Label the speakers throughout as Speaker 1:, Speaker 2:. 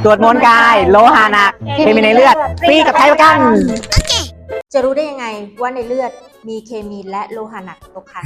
Speaker 1: ตรวจมวลกายโลหะหนักเคมีในเลือดฟรีกับไทยประกัน
Speaker 2: จะรู้ได้ยังไงว่าในเลือดมีเคมีและโลหะหนักตกค้าง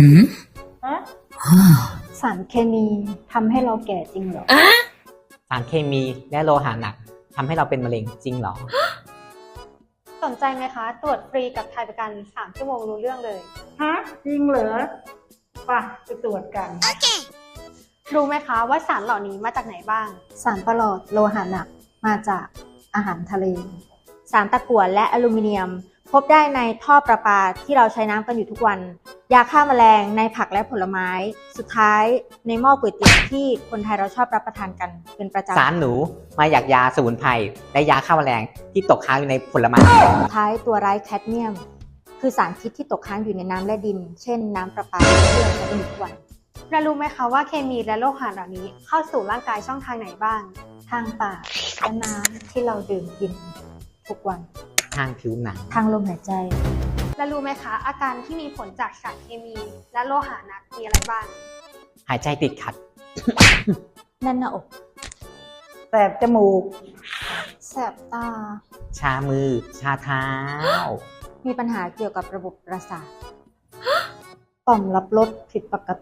Speaker 3: สารเคมีทำให้เราแก่จริงเหรอ
Speaker 1: สารเคมีและโลหะหนักทำให้เราเป็นมะเร็งจริงเหรอ
Speaker 3: สนใจไหมคะ ตรวจฟรีกับไทยประกัน3 ชั่วโมงรู้เรื่องเลย
Speaker 4: ฮะจริงเหรอไปไปตรวจกัน
Speaker 3: รู้ไหมคะว่าสารเหล่านี้มาจากไหนบ้าง สารปรอดโลหะหนักมาจากอาหารทะเล
Speaker 2: สารตะกั่วและอลูมิเนียม พบได้ในท่อประปาที่เราใช้น้ำกันอยู่ทุกวัน ยาฆ่าแมลงในผักและผลไม้ สุดท้ายในหม้อก๋วยเตี๋ยวที่คนไทยเราชอบรับประทานกันเป็นประจำ
Speaker 1: สารหนูมาจากยาสมุนไพรและยาฆ่าแมลงที่ตกค้างอยู่ในผลไม้
Speaker 2: สุดท้ายตัวร้ายแคดเมียม คือสารพิษที่ตกค้างอยู่ในน้ำและดิน เช่นน้ำประปาที่เราใช้กันอยู่ทุกวัน
Speaker 3: และรู้ไหมคะว่าเคมีและโลหะเหล่านี้เข้าสู่ร่างกายช่องทางไหนบ้าง ทางปากและน้ำที่เราดื่มกินทุกวัน
Speaker 1: ทางผิวหนัง
Speaker 2: ทางลมหายใจ
Speaker 3: และรู้ไหมคะ อาการที่มีผลจากสารเคมีและโลหะหนักมีอะไรบ้าง
Speaker 1: หายใจติดขัด
Speaker 2: แน่นหน้าอก
Speaker 4: แสบจมูก
Speaker 3: แสบตา
Speaker 1: ชามือ ชาเท้า
Speaker 2: มีปัญหาเกี่ยวกับระบบประสาท
Speaker 3: ต่อมรับรสผิดปกติ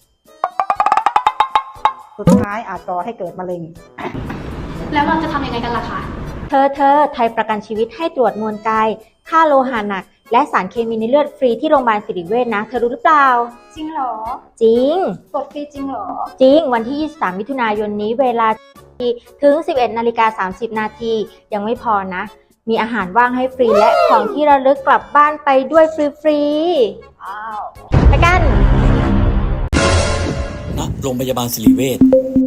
Speaker 4: สุดท้ายอาจก่อให้เกิดมะเร็ง
Speaker 3: แล้วเราจะทำยังไงกันล่ะคะ
Speaker 2: เธอไทยประกันชีวิตให้ตรวจมวลกาย ค่าโลหะหนัก และสารเคมีในเลือดฟรีที่โรงพยาบาลศิริเวชนะ เธอรู้หรือเปล่า
Speaker 3: จริงเหรอ
Speaker 2: จริง
Speaker 3: ตรวจฟรีจริงเหรอ
Speaker 2: จริง วันที่ 23 มิถุนายนนี้เวลาถึง 11:30 นาทียังไม่พอนะ มีอาหารว่างให้ฟรีและของที่ระลึกกลับบ้านไปด้วยฟรีๆว้าวไปกัน
Speaker 5: ณโรงพยาบาลศิริเวช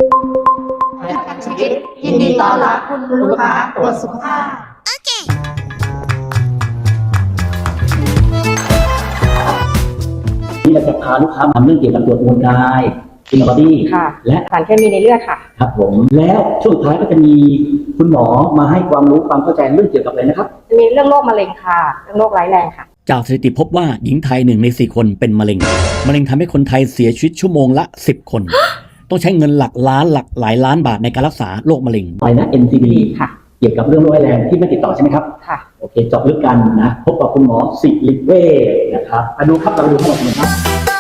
Speaker 3: ยินดีต้อนรับคุณลูกค้าตรวจสุขภาพ
Speaker 6: ที่เราจะพาลูกค้ามาทำเรื่องเกี่ยวกับตรวจมวลกายอินบอดี้
Speaker 4: ค่ะ
Speaker 6: และ
Speaker 4: สารเคมีในเลือดค่ะ
Speaker 6: ครับผมแล้วช่วงสุดท้ายก็จะมีคุณหมอมาให้ความรู้ความเข้าใจเรื่องเกี่ยวกับอะไรนะครับ
Speaker 4: มีเรื่องโรคมะเร็งค่ะ เรื่องโรคร้ายแรงค่ะ
Speaker 5: จากสถิติพบว่าหญิงไทย1 ใน 4 คนเป็นมะเร็ง มะเร็งทำให้คนไทยเสียชีวิตชั่วโมงละ 10 คน ต้องใช้เงินหลักล้านหลักหลายล้านบาทในการรักษาโรคมะเร็ง
Speaker 6: อะไรนะ NCD
Speaker 4: ค่ะ
Speaker 6: เกี่ยวกับเรื่องโรคร้ายแรงที่ไม่ติดต่อใช่ไหมครับ
Speaker 4: ค่ะ
Speaker 6: โอเคเจาะลึกกันนะพบกับคุณหมอศิริเวชนะครับมาดูครับเราดูทั้งหมดเลยครับ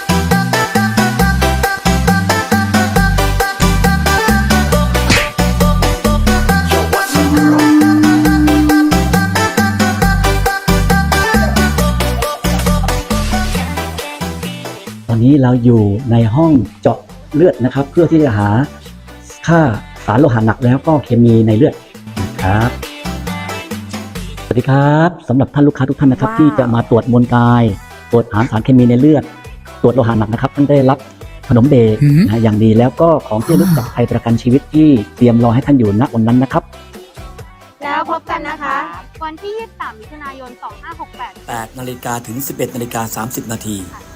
Speaker 6: ตอนนี้เราอยู่ในห้องเจาะเลือดนะครับ เพื่อที่จะหาค่าสารโลหะหนักแล้วก็เคมีในเลือดนะครับสวัสดีครับสำหรับท่านลูกค้าทุกท่านนะครับ
Speaker 2: ว้าว
Speaker 6: ที่จะมาตรวจมวลกาย ตรวจหาสารเคมีในเลือด ตรวจโลหะหนักนะครับท่านได้รับขนมเบรกนะอย่างดีแล้วก็ของที่ระลึกจากไทยประกันชีวิตที่เตรียมรอให้ท่านอยู่ณวันนั้นนะครับ
Speaker 2: แล้วพบกันนะคะ
Speaker 3: วันที่ 23 มิถุนายน 2568
Speaker 5: 8 นาฬิกาถึง 11 นาฬิกา 30 นาที